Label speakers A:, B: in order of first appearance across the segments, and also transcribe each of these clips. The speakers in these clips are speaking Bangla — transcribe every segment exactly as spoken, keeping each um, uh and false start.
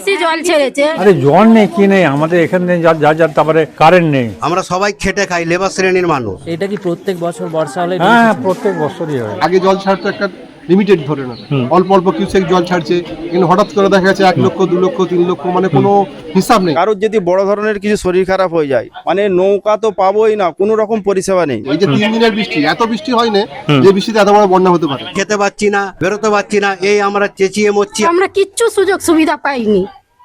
A: ডিভিসি জল ছেড়েছে।
B: আরে জল নেই কি নেই আমাদের এখানে যা যা তারপরে কারেন্ট নেই।
C: আমরা সবাই খেটে খাই, লেবার শ্রেণীর মানুষ।
D: এটা কি প্রত্যেক বছর বর্ষা হলে?
B: হ্যাঁ প্রত্যেক বছরই হয়।
E: আগে জল ছাড়তো একটা লিমিটেড ধরে না, অল্প অল্প কিউসেক জল ছাড়ছে, কিন্তু হঠাৎ করে দেখা যাচ্ছে এক লক্ষ দু লক্ষ তিন লক্ষ, মানে কোনো হিসাব নেই।
F: কারোর যদি বড় ধরনের কিছু শরীর খারাপ হয়ে যায়, মানে নৌকা তো পাবোই না, কোনো রকম পরিষেবা নেই।
E: এই যে তিন দিনের বৃষ্টি, এত বৃষ্টি হয় না যে বৃষ্টিতে এত বড় বন্যা হতে পারে।
C: খেতে পাচ্ছি না, বেরোতে পাচ্ছি না, এই আমরা চেঁচিয়ে মরছি।
A: আমরা কিচ্ছু সুযোগ সুবিধা পাইনি,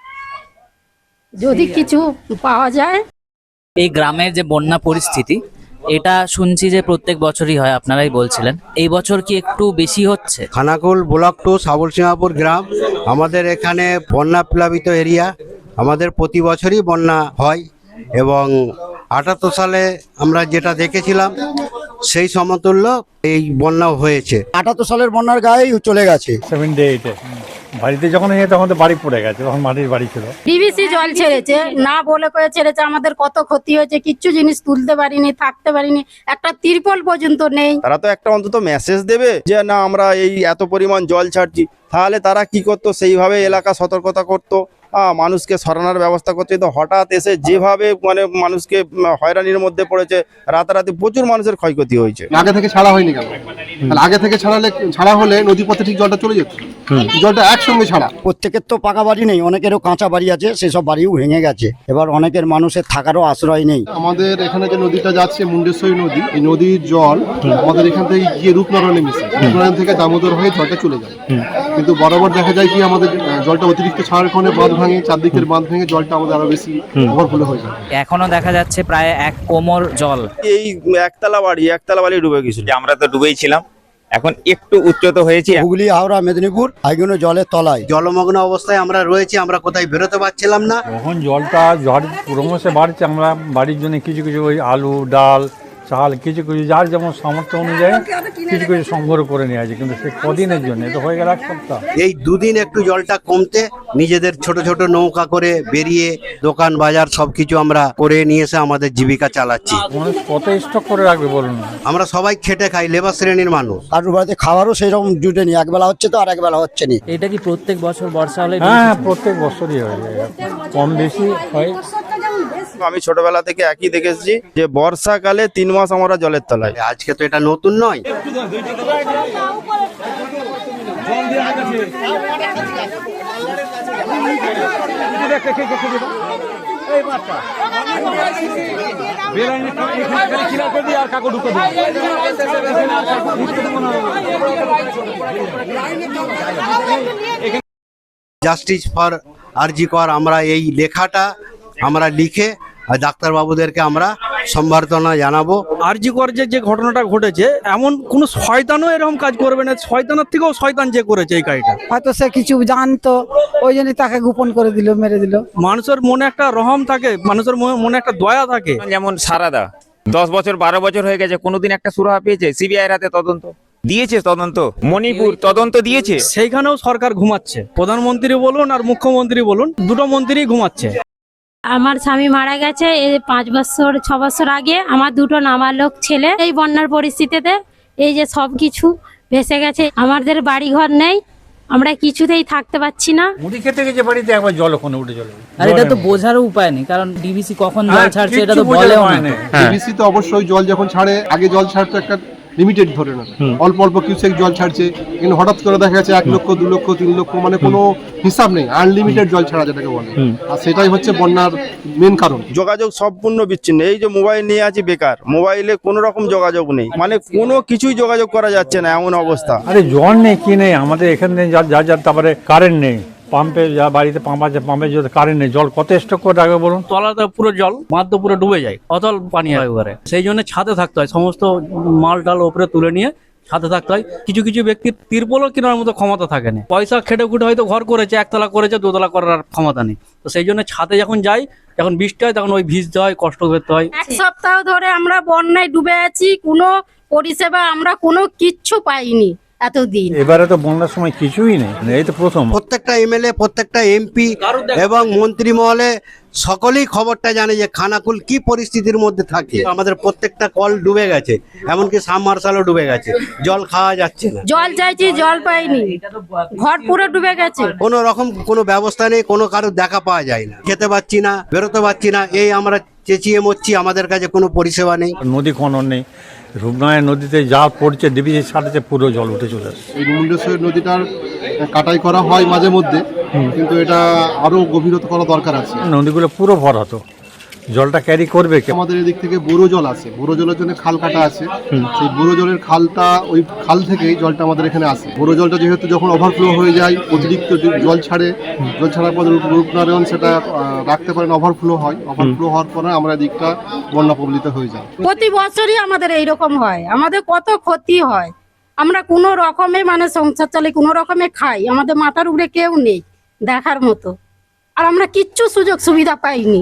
A: যদি কিছু পাওয়া যায়।
D: এই গ্রামের যে বন্যা পরিস্থিতি, এটা শুনছি যে প্রত্যেক বছরই হয়, আপনারাই বলছিলেন। এই বছর কি একটু বেশি হচ্ছে?
C: খানাকুল ব্লক টু সাবল সিংহাপুর গ্রাম, আমাদের এখানে বন্যা প্লাবিত এরিয়া। আমাদের প্রতি বছরই বন্যা হয় এবং আটাত্তর সালে আমরা যেটা দেখেছিলাম সেই সমতুল্য এই বন্যা হয়েছে।
G: আটাত্তর সালের বন্যার গায়েই চলে গেছে।
B: সেভেন্টি এইটে বাড়িতে যখন এসে তখন তো বাড়ি পড়ে গেছে, তখন মাটির বাড়ি ছিল।
A: ডিভিসি জল ছেড়েছে, না বলে করে ছেড়েছে। আমাদের কত ক্ষতি হয়েছে, কিচ্ছু জিনিস তুলতে পারিনি, থাকতে পারিনি, একটা তিরপল পর্যন্ত নেই।
F: তারা তো একটা অন্তত মেসেজ দেবে যে না আমরা এই এত পরিমাণ জল ছাড়ছি, তাহলে তারা কি করতো, সেইভাবে এলাকা সতর্কতা করতো, আহ মানুষকে সরানোর ব্যবস্থা করছে। তো হঠাৎ এসে যেভাবে মানে মানুষকে হয়রানির মধ্যে পড়েছে, রাতারাতি প্রচুর মানুষের ক্ষয়ক্ষতি হয়েছে।
E: আগে থেকে ছাড়া হয়নি কেন? তাহলে আগে থেকে ছাড়ালে ছাড়া হলে নদী পথে ঠিক জলটা চলে যেত, জলটা একসঙ্গে ছাড়া।
G: প্রত্যেকের তো পাকা বাড়ি নেই, অনেকেরও কাঁচা বাড়ি আছে, সেসব বাড়িও ভেঙে গেছে। এবার অনেকের মানুষের থাকারও আশ্রয় নেই।
E: আমাদের এখানে যে নদীটা যাচ্ছে মুন্ডেশ্বরী নদী, এই নদীর জল আমাদের এখান থেকে গিয়ে রূপনারায়ণে মিশে, রূপনারায়ণ থেকে দামোদর হয়ে জলটা চলে যায়। কিন্তু বরাবর দেখা যায় কি আমাদের জলটা অতিরিক্ত ছাড়ার কারণে বাঁধ ভাঙে, চারদিকের বাঁধ ভেঙে জলটা আমাদের আরো বেশি ওভারফ্লো হয়ে যায়।
D: এখনো দেখা যাচ্ছে প্রায় এক কোমর জল।
F: এই একতলা বাড়ি একতলা বাড়ি ডুবে গেছিল।
H: আমরা তো ডুবেই ছিলাম, এখন একটু উচ্চত হয়েছি।
G: হুগলি, হাওড়া, মেদিনীপুর এগুলো জলের তলায়।
C: জলমগ্ন অবস্থায় আমরা রয়েছি, আমরা কোথায় বেরোতে পারছিলাম না।
B: যখন জলটা ঝড় ক্রমশে বাড়ছে, আমরা বাড়ির জন্য কিছু কিছু ওই আলু ডাল চাল কিছু কিছু যার যেমন সামর্থ্য অনুযায়ী কিছু কিছু সংগ্রহ করে নিয়ে আছে, কিন্তু সে কদিনের জন্য, তো হয়ে গেল এক সপ্তাহ।
C: এই দুদিন একটু জলটা কমতে নিজেদের ছোট ছোট নৌকা করে বেরিয়ে দোকান বাজার সবকিছু আমরা করে নিয়ে এসে আমাদের জীবিকা চালাচ্ছি।
B: মানুষ কত স্টক করে রাখবে বলুন?
C: আমরা সবাই খেটে খাই, লেবার শ্রেণীর মানুষ।
G: কারোর বাড়িতে খাবারও সেই রকম জুটে নি, একবেলা হচ্ছে তো আর একবেলা হচ্ছে না।
D: এটা কি প্রত্যেক বছর বর্ষা হলে?
B: হ্যাঁ প্রত্যেক বছরই হয়, কম বেশি হয়।
F: আমি ছোটবেলা থেকে একই দেখেছি যে বর্ষাকালে তিন মাস আমরা জলের তলায়।
C: আজকে তো এটা নতুন নয়। জাস্টিস ফর আরজি কর, আমরা এই লেখাটা আমরা লিখে আর ডাক্তারবাবুদেরকে আমরা সম্বর্ধনা জানাবো।
I: আরজি কর যে যে ঘটনাটা ঘটেছে, এমন কোন শয়তানও এরকম কাজ করবে না। শয়তানের থেকেও শয়তান যে করেছে এই কাজটা,
J: হয়তো সে কিছু জানতো, ওই জন্য তাকে গোপন করে দিল, মেরে দিল।
I: মানুষের মনে একটা রহম থাকে, মানুষের মনে একটা দয়া থাকে।
H: যেমন সারাদা দশ বছর বারো বছর হয়ে গেছে, কোনোদিন একটা সুরাহা পেয়েছে? সিবিআই হাতে তদন্ত দিয়েছে, তদন্ত মণিপুর তদন্ত দিয়েছে,
I: সেইখানেও সরকার ঘুমাচ্ছে। প্রধানমন্ত্রী বলুন আর মুখ্যমন্ত্রী বলুন, দুটো মন্ত্রী ঘুমাচ্ছে।
A: আমার স্বামী মারা গেছে এই পাঁচ বছর ছ বছর আগে। আমার দুটো নাবালক ছেলে এই বন্যার পরিস্থিতিতে এই যে সব কিছু ভেসে গেছে। আমাদের বাড়ি ঘর নেই, আমরা কিছুতেই থাকতে পাচ্ছি না।
B: মুড়ি খেতে গেছে বাড়িতে, একবার জল ওখানে উঠে চলে।
D: আর এটা তো বোঝারও উপায় নেই, কারণ ডিভিসি কখন জল ছাড়ছে এটা তো বলেও না।
E: ডিভিসি তো অবশ্যই জল যখন ছাড়ে, আগে জল ছাড়তো একটা লিমিটেড ধরে না, অল্প অল্প কিউসেক জল ছাড়ছে, কিন্তু হঠাৎ করে দেখা যাচ্ছে এক লক্ষ দু লক্ষ তিন লক্ষ, মানে কোনো হিসাব নেই। আনলিমিটেড জল ছাড়া যেটাকে বলে, আর সেটাই হচ্ছে বন্যার মেন কারণ।
F: যোগাযোগ সম্পূর্ণ বিচ্ছিন্ন। এই যে মোবাইল নিয়ে আছি বেকার, মোবাইলে কোনো রকম যোগাযোগ নেই, মানে কোনো কিছুই যোগাযোগ করা যাচ্ছে না, এমন অবস্থা।
B: আরে জল নেই কি নেই আমাদের এখানে যা যা যা তারপরে কারেন্ট নেই। পাম্পে যা বাড়িতে পাম্প আছে, পাম্পে যদি কারেন্ট নেই, জল কত স্টক করে রাখবে বলুন?
I: তলাতে পুরো জল, বাঁধ তো পুরো ডুবে যায়, অতল পানি হয় ওখানে। সেই জন্য ছাদে থাকতে হয়, সমস্ত মাল টাল ওপরে তুলে নিয়ে ছাদে থাকতে হয়। কিছু কিছু ব্যক্তির তিরপলও কেনার মতো ক্ষমতা থাকে না, পয়সা খেটে খুটে হয়তো ঘর করেছে, একতলা করেছে, দোতলা করার ক্ষমতা নেই। তো সেই জন্য ছাদে যখন যাই, যখন বৃষ্টি হয়, তখন ওই ভিজতে হয়, কষ্ট করতে হয়।
A: এক সপ্তাহ ধরে আমরা বন্যায় ডুবে আছি, কোনো পরিষেবা আমরা কোনো কিচ্ছু পাইনি এতদিন।
B: এবারে তো বন্যার সময় কিছুই নেই, এই তো প্রথম।
C: প্রত্যেকটা এমএলএ, প্রত্যেকটা এমপি এবং মন্ত্রী মহলে সকলেই খবরটা জানে যে খানাকুল কি পরিস্থিতির মধ্যে থাকে। আমাদের প্রত্যেকটা কল ডুবে গেছে, এমনকি সাবমার্শালও ডুবে গেছে, জল খাওয়া যাচ্ছে না।
A: জল চাইছি, জল পাইনি, ঘর পুরো ডুবে গেছে।
C: কোনো রকম কোনো ব্যবস্থা নেই, কোনো কারোর দেখা পাওয়া যায় না, খেতে পাচ্ছি না, বেরোতে পারছি না, এই আমরা চেঁচিয়ে মরছি, আমাদের কাছে কোনো পরিষেবা নেই।
B: নদী খনন নেই, রূপনারায়ণ নদীতে যা পড়ছে ডিবিসির সাথে পুরো জল উঠে চলে আসছে।
E: এই মুন্ডেশ্বরী নদীটার কাটাই করা হয় মাঝে মধ্যে, কিন্তু এটা আরো গভীরতা করা দরকার আছে।
B: নদীগুলো পুরো ভরাতো, জলটা ক্যারি করবে কে?
E: আমাদের এদিক থেকে বোরো জল আছে, বোরো জলের জন্য খাল কাটা আছে, সেই বোরো জলের খালটা ওই খাল থেকেই জলটা আমাদের এখানে আসে। বোরো জলটা যেহেতু যখন ওভারফ্লো হয়ে যায়, অতিরিক্ত জল ছাড়ে, জল ছাড়ার পর রূপনারায়ণ সেটা আহ, রাখতে পারেন, ওভারফ্লো হয়, ওভারফ্লো হওয়ার পরে আমরা দিকটা বন্যা প্রবলিত হয়ে যায়।
A: প্রতি বছরই আমাদের এইরকম হয়, আমাদের কত ক্ষতি হয়। আমরা কোনো রকমে মানে সংসার চালাই, কোনো রকমে খাই, আমাদের মাথার উপরে কেউ নেই দেখার মতো, আর আমরা কিচ্ছু সুযোগ সুবিধা পাইনি।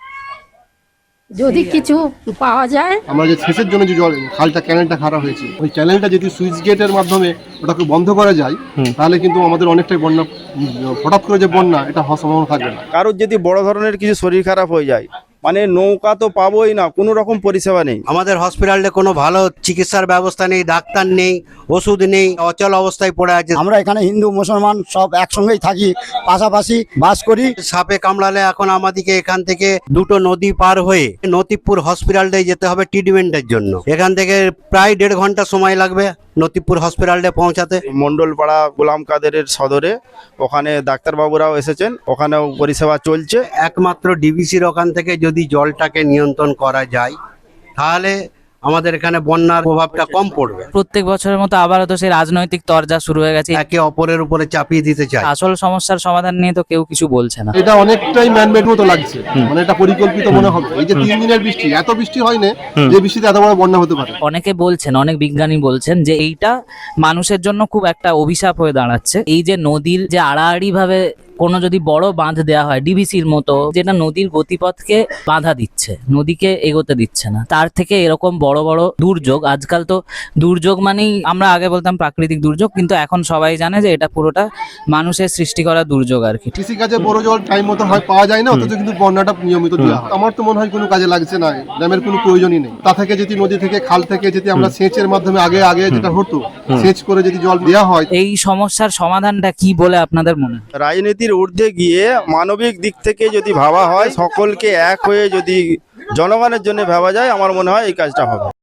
A: যদি কিছু পাওয়া যায়।
E: আমরা যে সেচের জন্য যে জল খালটা ক্যানেলটা খারাপ হয়েছে, ওই ক্যানেলটা যদি সুইচ গেটের মাধ্যমে ওটাকে বন্ধ করা যায়, তাহলে কিন্তু আমাদের অনেকটাই বন্যা, হঠাৎ করে যে বন্যা এটা হওয়ার সম্ভাবনা থাকবে না।
F: কারোর যদি বড় ধরনের কিছু শরীর খারাপ হয়ে যায়, মানে নৌকা তো পাবোই না, কোনো রকম পরিষেবা নেই।
C: আমাদের হসপিটালে কোনো ভালো চিকিৎসার ব্যবস্থা নেই, ডাক্তার নেই, ওষুধ নেই, অচল অবস্থায় পড়ে আছে।
G: আমরা এখানে হিন্দু মুসলমান সব একসঙ্গেই থাকি, পাশাপাশি বাস করি।
C: সাপে কামড়ালে এখন আমাদেরকে এখান থেকে দুটো নদী পার হয়ে নতিপুর হসপিটালটায় যেতে হবে ট্রিটমেন্টের জন্য। এখান থেকে প্রায় দেড় ঘন্টা সময় লাগবে নতিপুর হসপিটালে পৌঁছাতে।
F: মন্ডলপাড়া গোলাম কাদেরের সদরে ওখানে ডাক্তারবাবুরাও এসেছেন, ওখানেও পরিষেবা চলছে।
C: একমাত্র ডিবিসির ওখান থেকে যদি জলটাকে নিয়ন্ত্রণ করা যায়, তাহলে আমাদের এখানে বন্যার প্রভাবটা কম পড়বে।
D: প্রত্যেক বছরের মতো আবারও তো সেই রাজনৈতিক তরজা শুরু হয়ে গেছে,
C: একে অপরের উপরে চাপিয়ে দিতে চায়।
D: আসল সমস্যার সমাধান নিয়ে তো কেউ কিছু বলছে না।
E: এটা অনেকটাই ম্যানমেড মতো লাগছে, মানে এটা পরিকল্পিত মনে হবে। এই যে তিন দিনের বৃষ্টি, এত বৃষ্টি হয় না যে বৃষ্টিতে এত বড় বন্যা হতে পারে।
D: অনেকে বলছেন, অনেক বিজ্ঞানী বলছেন যে এইটা মানুষের জন্য খুব একটা অভিশাপ হয়ে দাঁড়াচ্ছে। এই যে নদীর যে আড়াআড়ি ভাবে কোনো যদি বড় বাঁধ দেওয়া হয় ডিবিসির মতো, যেটা নদীর গতিপথকে বাধা দিচ্ছে, নদীকে এগোতে দিচ্ছে না, তার থেকে এরকম বড় বড় দুর্যোগ, আজকাল তো দুর্যোগ মানেই আমরা আগে বলতাম প্রাকৃতিক দুর্যোগ, কিন্তু এখন সবাই জানে যে এটা পুরোটা মানুষের সৃষ্টি করা দুর্যোগ আর কি।
E: কৃষি কাজে বড় জল টাইম মতো হয় পাওয়া যায় না, অথচ কিন্তু বন্যাটা নিয়মিত দেওয়া হয়। আমার তো মনে হয় কোনো কাজে লাগছে না, ড্যামের কোনো প্রয়োজনই নেই। তা থেকে যদি নদী থেকে খাল থেকে যদি আমরা সেচের মাধ্যমে আগে আগে যেটা হতো, সেচ করে যদি জল দেওয়া হয়।
D: এই সমস্যার সমাধানটা কি বলে আপনাদের মনে হয়?
F: রাজনীতির ঊর্ধ্বে গিয়ে মানবিক দিক থেকে যদি ভাবা হয়, সকলকে এক হয়ে যদি জনগণের জন্য ভাবা যায়, আমার মনে হয় এই কাজটা হবে।